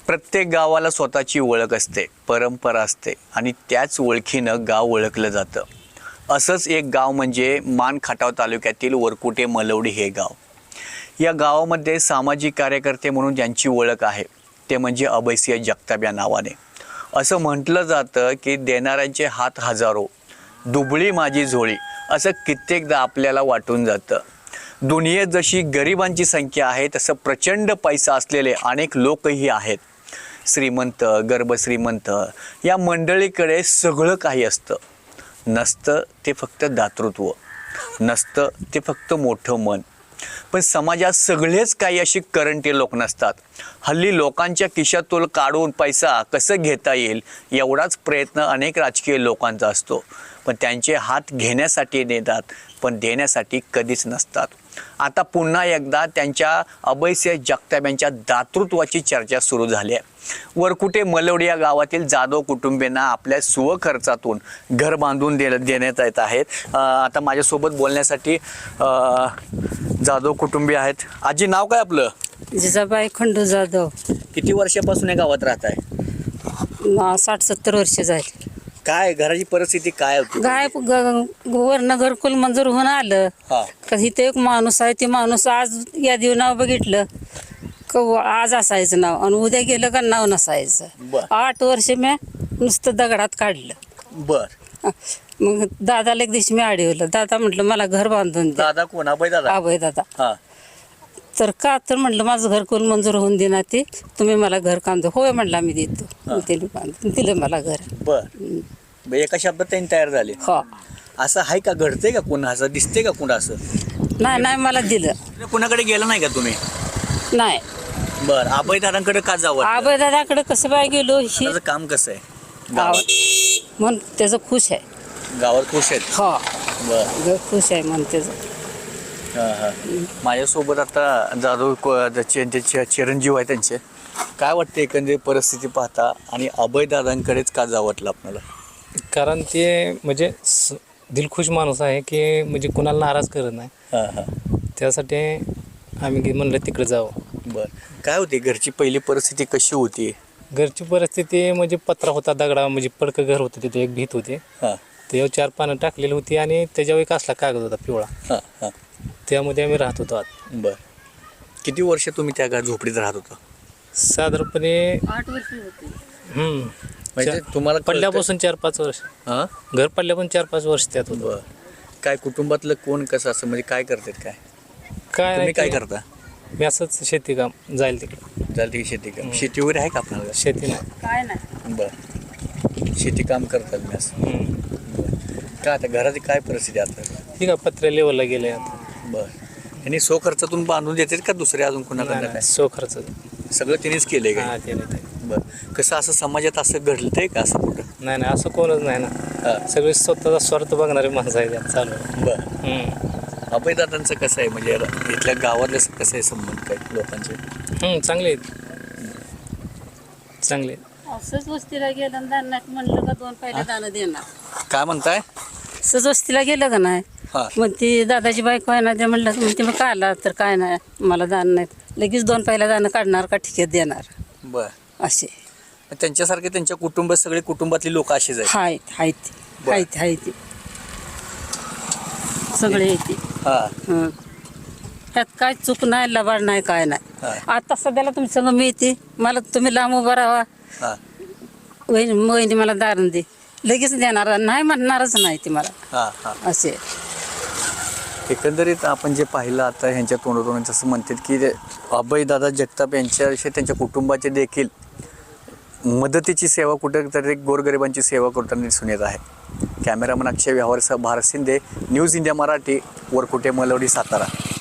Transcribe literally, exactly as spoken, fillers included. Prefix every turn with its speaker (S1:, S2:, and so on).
S1: प्रत्येक गावाला स्वतःची ओळख असते, परंपरा असते आणि त्याच ओळखीनं गाव ओळखलं जातं. असंच एक गाव म्हणजे मान खटाव तालुक्यातील वरकुटे मलवडी हे गाव. या गावामध्ये सामाजिक कार्यकर्ते म्हणून ज्यांची ओळख आहे ते म्हणजे अभयसिंह जगताप या नावाने. असं म्हटलं जातं की देणाऱ्यांचे हात हजारो, दुबळी माझी झोळी असं कित्येकदा आपल्याला वाटून जातं. दुनियेत जशी गरिबांची संख्या आहे तसं प्रचंड पैसा असलेले अनेक लोकही आहेत. श्रीमंत, गर्भश्रीमंत या मंडळीकडे सगळं काही असतं. नसतं ते फक्त दातृत्व, नसतं ते फक्त मोठं मन. पण समाजात सगळेच काही अशी करंटे लोक नसतात. हल्ली लोकांच्या खिशातून काढून पैसा कसं घेता येईल एवढाच प्रयत्न अनेक राजकीय लोकांचा असतो. पण त्यांचे हात घेण्यासाठी नेतात, पण देण्यासाठी कधीच नसतात. आता पुन्हा एकदा त्यांच्या अभयसिंह जगताप यांच्या दातृत्वाची चर्चा सुरू झाली आहे. वरकुटे मलवडी या गावातील जाधव कुटुंबियांना आपल्या स्वखर्चातून घर बांधून दे देण्यात येत आहेत. आता माझ्यासोबत बोलण्यासाठी जाधव कुटुंबीय आहेत. आजी, नाव काय आपलं?
S2: जिजाबाई खंडू जाधव.
S1: किती वर्षापासून या गावात राहत आहे?
S2: साठ सत्तर वर्ष झाली.
S1: काय घराची परिस्थिती काय होती?
S2: गाय वरनं घरकुल मंजूर होऊन आलं का इथे एक माणूस आहे. ते माणूस आज या दिव नाव बघितलं का आज असायचं नाव आणि उद्या गेलं का नाव नसायचं. आठ वर्ष मी नुसतं दगडात काढलं.
S1: बर.
S2: मग दादाला एक दिवशी मी अडवलं. दादा म्हटलं मला घर बांधून दे.
S1: दादा कोण? अभय दादा?
S2: अभय दादा.
S1: हा.
S2: तर का तर म्हटलं माझं घरकुल मंजूर होऊन देणार, ते तुम्ही मला घर काम दे. होय म्हटलं मी देतो. त्याने बांधून दिलं मला घर.
S1: बर. एका शब्दात त्यांनी तयार झाले.
S2: हो.
S1: असं आहे का? घडतंय का कुणा? असं दिसते का कुणा? असं
S2: नाही नाही मला दिलं.
S1: कुणाकडे गेला नाही का तुम्ही?
S2: नाही.
S1: बर. अभय दादांकडे का जावं?
S2: अभय दादाकडे कसं बाय गेलो ही
S1: त्याचं काम कसं आहे
S2: गावात म्हणून त्याचं खुश आहे.
S1: गावात खुश आहेत?
S2: हो.
S1: बर.
S2: खुश आहे म्हणून त्याचं.
S1: हा हा. माझ्यासोबत आता जाधव त्यांचे चिरंजीव आहे. त्यांचे काय वाटते एकंदरीत परिस्थिती पाहता आणि अभय दादांकडेच का जावं वाटलं आपल्याला?
S3: कारण ते म्हणजे दिलखुश माणूस आहे की म्हणजे कुणाला नाराज करत नाही.
S1: हां हां.
S3: त्यासाठी आम्ही म्हणलं तिकडे जावं.
S1: बरं. काय होती घरची पहिली परिस्थिती कशी होती?
S3: घरची परिस्थिती म्हणजे पत्रा होता, दगडा म्हणजे पडकं घर होतं, तिथे एक भीत होते.
S1: हां.
S3: त्याच्यावर चार पानं टाकलेली होती आणि त्याच्यावर एक असला कागद होता पिवळा.
S1: हां हां.
S3: त्यामध्ये आम्ही राहत होतो आत.
S1: बरं. किती वर्ष तुम्ही त्या घर झोपडीत राहत होता?
S3: साधारणपणे
S2: आठ वर्ष होते.
S3: हम्म
S1: म्हणजे तुम्हाला
S3: पडल्यापासून चार पाच वर्ष.
S1: हां.
S3: घर पडल्यापासून चार पाच वर्ष त्यात होतं.
S1: बरं. काय कुटुंबातलं कोण कसं असं म्हणजे काय करतात? काय
S3: काय
S1: तुम्ही काय
S3: नाही
S1: करता?
S3: मी असंच शेती काम जाईल तिकडे.
S1: झालं की शेती काम? शेती वगैरे आहे का आपल्याला?
S3: शेती नाही.
S2: काय नाही.
S1: बरं. शेती काम करतात मी असं.
S3: हम्म.
S1: काय आता घराची काय परिस्थिती आता?
S3: ठीक आहे, पत्र्या लेवलला गेले आता.
S1: बरं. आणि सो खर्चातून बांधून देतात का दुसरे अजून कुणाकडनं? काय
S3: सो खर्च.
S1: सगळं त्यांनीच केलंय का?
S3: हा केलं ते.
S1: बरं. कसं असं समाजात असं घडलंय का असं कुठं?
S3: नाही नाही असं कोणच नाही ना.
S1: हां.
S3: सगळे स्वतःचा स्वार्थ बघणारे माणसं आहे त्यात चालू.
S1: बरं.
S3: हम्म.
S1: अभयदादांचं कसं आहे म्हणजे इथल्या गावातलं कसं आहे संबंध काय लोकांचे?
S3: हम्म, चांगले आहेत. चांगले आहेत.
S2: असंच वस्तीला गेलं दानात म्हणलं का दोन पहिल्या दाणं देणार.
S1: काय म्हणताय?
S2: असंच वस्तीला गेलं का नाही
S1: हां.
S2: मग ती दादाची बायको आहे ना, ते म्हणलं म्हणते मग काय आला तर काय नाही मला दान नाहीत, लगेच दोन पहिल्या दाणं काढणार का ठिकेत देणार
S1: बरं.
S2: असे.
S1: त्यांच्यासारखे त्यांच्या कुटुंबात सगळे कुटुंबातली लोक अशीच आहेत?
S2: आहेत आहेत
S1: बरं.
S2: आहेत आहेत सगळे येते.
S1: हां.
S2: त्यात काय चूक नाही, लबाड नाही, काय नाही.
S1: हां.
S2: आता सध्याला तुमची संग मी येते, मला तुम्ही लांब उभा राहा,
S1: हां.
S2: वहिनी वहिनी मला दारण दे, लगेच देणार नाही म्हणणारच नाही ती मला.
S1: हां हां.
S2: असे
S1: एकंदरीत आपण जे पाहिलं आता ह्यांच्या तोंडोतोंड असं म्हणतात की अभयदादा जगताप यांच्याविषयी त्यांच्या कुटुंबाचे देखील मदतीची सेवा कुठेतरी गोरगरिबांची सेवा करताना दिसून येत आहे. कॅमेरामन अक्षय व्यवहारसह भारत शिंदे, न्यूज इंडिया मराठी, वरकुटे मलवडी, सातारा.